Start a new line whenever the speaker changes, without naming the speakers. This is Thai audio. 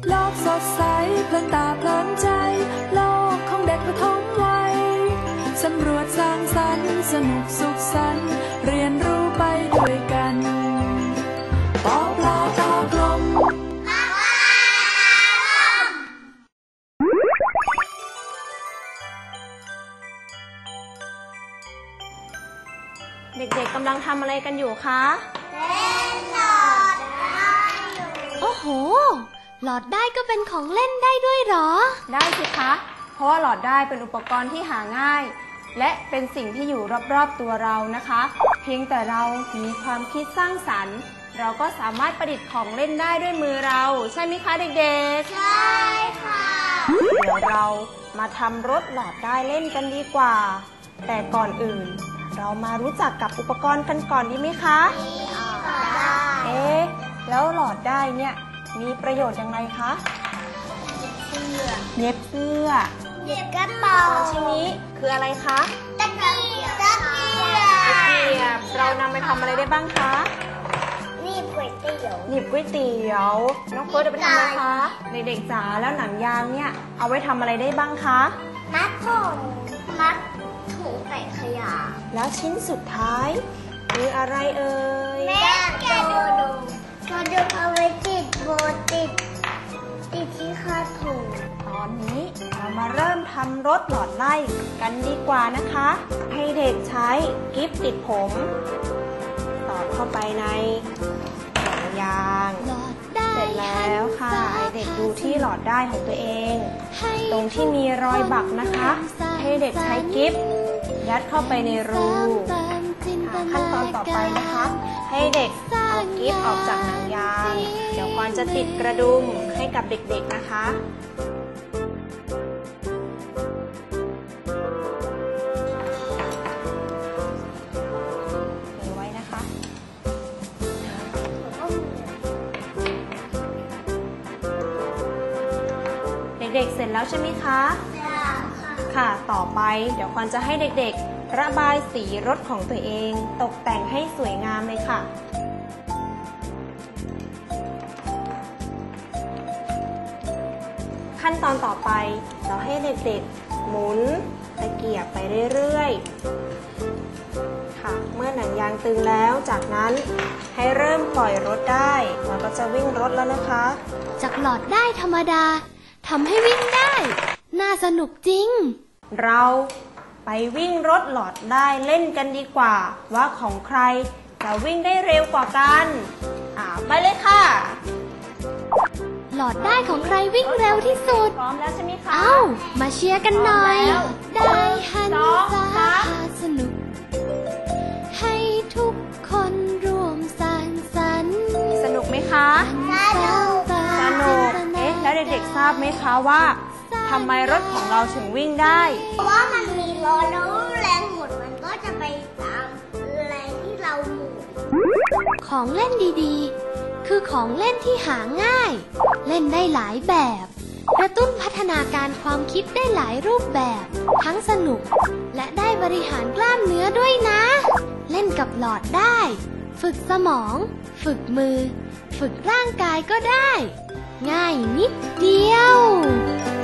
โลกสดใสเพลินตาเพลินใจโลกของเด็กประถมวัยสำรวจสร้างสรรค์สนุกสุขสันต์เรียนรู้ไปด้วยกันปอปลาตากลม
เด็กๆกำลังทำอะไรกันอยู่คะ
เล่นหลอดได้โอ้โหหลอดได้ก็เป็นของเล่นได้ด้วยเหรอ
ได้สิคะเพราะว่าหลอดได้เป็นอุปกรณ์ที่หาง่ายและเป็นสิ่งที่อยู่รอบๆตัวเรานะคะเพียงแต่เรามีความคิดสร้างสรรค์เราก็สามารถประดิษฐ์ของเล่นได้ด้วยมือเราใช่ไหมคะเด็กๆใช่ค่ะเดี๋ยวเรามาทำรถหลอดได้เล่นกันดีกว่าแต่ก่อนอื่นเรามารู้จักกับอุปกรณ์กันก่อนดีไหมคะได้แล้วหลอดได้เนี่ยมีประโยชน์อย่างไรคะเย็บเสื้อ
เย็บกระเป๋า
ชิ้นนี้คืออะไรคะ
ตะเกีย
บเรานำไปทำอะไรได้บ้างคะ
หนีบก๋วยเตี๋ยว
น้องเฟิร์สจะไปทำอะไรคะเด็กๆจ๋าแล้วหนังยางเนี่ยเอาไว้ทำอะไรได้บ้างคะ
มัดถุงใส่ขยะ
แล้วชิ้นสุดท้ายคืออะไรเอ่ย
แม่แกดูเอาไว้ติดโบติดที่คาถุง
ตอนนี้เรามาเริ่มทำรถหลอดไล่กันดีกว่านะคะให้เด็กใช้กิ๊บติดผมสอดเข้าไปในหนังยางเสร็จแล้วค่ะให้เด็กดูที่หลอดได้ของตัวเองตรงที่มีรอยบักนะคะให้เด็กใช้กิ๊บยัดเข้าไปในรูขั้นตอนต่อไปนะคะให้เด็กเอากิ๊บออกจากหนังยางเดี๋ยวควานจะติดกระดุมให้กับเด็กๆนะคะเก็บไว้นะคะเด็กๆเสร็จแล้วใช่ไหมคะค่ะต่อไปเดี๋ยวควานจะให้เด็กๆระบายสีรถของตัวเองตกแต่งให้สวยงามเลยค่ะขั้นตอนต่อไปเราให้เด็กๆหมุนตะเกียบไปเรื่อยๆค่ะเมื่อหนังยางตึงแล้วจากนั้นให้เริ่มปล่อยรถได้เราก็จะวิ่งรถแล้วนะคะ
จากหลอดได้ธรรมดาทำให้วิ่งได้น่าสนุกจริง
เราไปวิ่งรถหลอดได้เล่นกันดีกว่าว่าของใครจะวิ่งได้เร็วกว่ากันไปเลยค่ะ
หลอดได้ของใครวิ่งเร็วที่สุด
พร้อมแล้วใช่ไหมคะ
มาเชียร์กันหน่อยได้หันษาสนุกให้ทุกคนร่วมสร้างสรรค์
สนุกไหมคะสนุกแล้วเด็กๆทราบไหมคะว่าทำไมรถของเราถึงวิ่งได้
เพราะว่ามันมีล้อแล้วแรงหมดมันก็จะไปตามแรงที่เราหมุนของเล่นดีๆคือของเล่นที่หาง่ายเล่นได้หลายแบบกระตุ้นพัฒนาการความคิดได้หลายรูปแบบทั้งสนุกและได้บริหารกล้ามเนื้อด้วยนะเล่นกับหลอดได้ฝึกสมองฝึกมือฝึกร่างกายก็ได้ง่ายนิดเดียว